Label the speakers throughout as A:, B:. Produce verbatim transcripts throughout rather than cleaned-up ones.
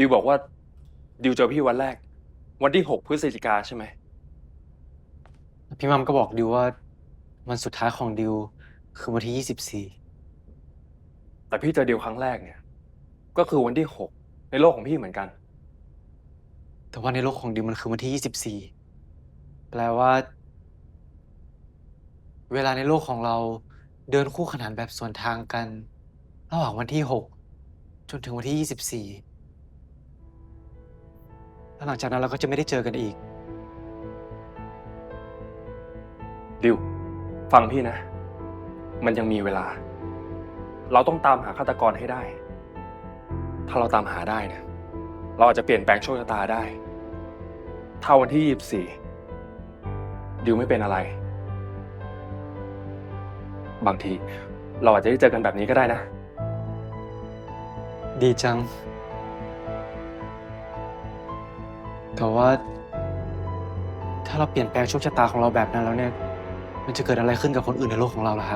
A: ดิวบอกว่าดิวเจอพี่วันแรกวันที่หกพฤศจิกาใช่ไหม
B: พี่มัมก็บอกดิวว่าวันสุดท้ายของดิวคือวันที่ยี่สิบสี่
A: แต่พี่เจอดิวครั้งแรกเนี่ยก็คือวันที่หกในโลกของพี่เหมือนกัน
B: แต่ว่าในโลกของดิวมันคือวันที่ยี่สิบสี่แปลว่าเวลาในโลกของเราเดินคู่ขนานแบบสวนทางกันระหว่างวันที่หกจนถึงวันที่ยี่สิบสี่แล้วหลังจากนั้นเราก็จะไม่ได้เจอกันอีก
A: ดิวฟังพี่นะมันยังมีเวลาเราต้องตามหาฆาตกรให้ได้ถ้าเราตามหาได้เนี่ยเราอาจจะเปลี่ยนแปลงโชคชะตาได้ถ้าวันที่ยี่สิบสี่ดิวไม่เป็นอะไรบางทีเราอาจจะได้เจอกันแบบนี้ก็ได้นะ
B: ดีจังแต่ว่าถ้าเราเปลี่ยนแปลงโชคชะตาของเราแบบนั้นแล้วเนี่ยมันจะเกิดอะไรขึ้นกับคนอื่นในโลกของเราล่ะครับ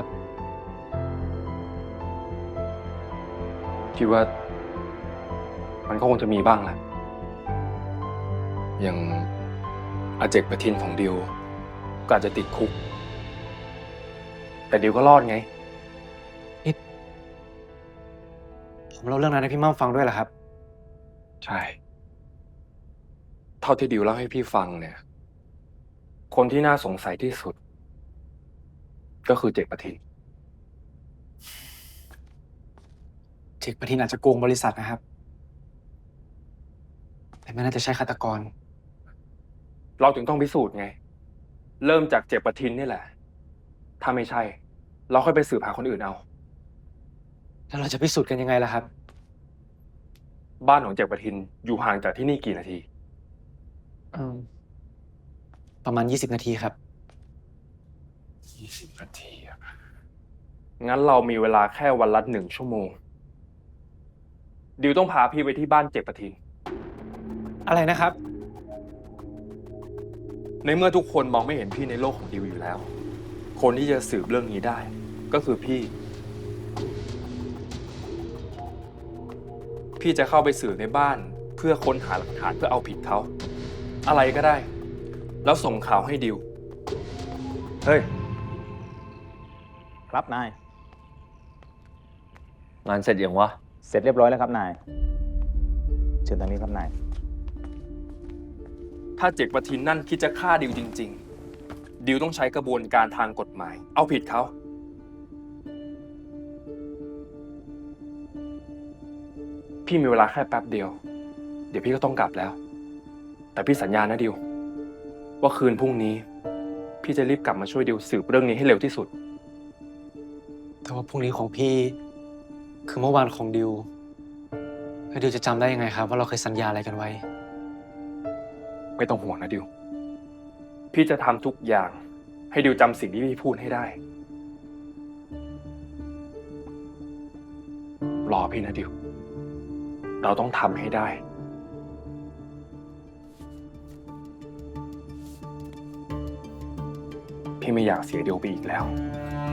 A: คิดว่ามันก็คงจะมีบ้างแหละอย่างอาเจกประทินของดิวก็อาจจะติดคุกแต่ดิวก็รอดไง
B: นี่ผมเล่าเรื่องนั้นให้พี่มัมฟังด้วยเหรอครับ
A: ใช่ เท่าที่ดิวเล่าให้พี่ฟังเนี่ย คนที่น่าสงสัยที่สุด ก็คือเจกประทิน
B: เจกประทินอาจจะโกงบริษัทนะครับแต่ไม่น่าจะใช่ฆาตกร
A: เราถึงต้องพิสูจน์ไง เริ่มจากเจกประทินนี่แหละ ถ้าไม่ใช่ เราค่อยไปสืบหาคนอื่นเอา
B: แล้วเราจะพิสูจน์กันยังไงล่ะครับ
A: บ้านของเจกประทินอยู่ห่างจากที่นี่กี่นาที
B: อืมประมาณยี่สิบนาทีครับ
A: ยี่สิบนาทีอะงั้นเรามีเวลาแค่วันละหนึ่งชั่วโมง ดิวต้องพาพี่ไปที่บ้านเจกประทิน
B: อะไรนะครับ
A: ในเมื่อทุกคนมองไม่เห็นพี่ในโลกของดิวอยู่แล้ว คนที่จะสืบเรื่องนี้ได้ ก็คือพี่ พี่จะเข้าไปสืบในบ้านเพื่อค้นหาหลักฐานเพื่อเอาผิดเขา อะไรก็ได้ แล้วส่งข่าวให้ดิว
C: เฮ้ย ครับนาย
D: งานเสร็จยังวะ
C: เสร็จเรียบร้อยแล้วครับนาย เชิญทางนี้ครับนาย
A: ถ้าเจกประทินนั่นคิดจะฆ่าดิวจริงๆ ดิวต้องใช้กระบวนการทางกฎหมาย เอาผิดเขา พี่มีเวลาแค่แป๊บเดียว เดี๋ยวพี่ก็ต้องกลับแล้ว แต่พี่สัญญานะดิว ว่าคืนพรุ่งนี้ พี่จะรีบกลับมาช่วยดิวสืบเรื่องนี้ให้เร็วที่สุด
B: แต่ว่าพรุ่งนี้ของพี่ คือเมื่อวานของดิวแล้วดิวจะจำได้ยังไงครับว่าเราเคยสัญญาอะไรกันไว้
A: ไม่ต้องห่วงนะดิว พี่จะทำทุกอย่างให้ดิวจำสิ่งที่พี่พูดให้ได้ รอพี่นะดิว เราต้องทำให้ได้ พี่ไม่อยากเสียดิวไปอีกแล้ว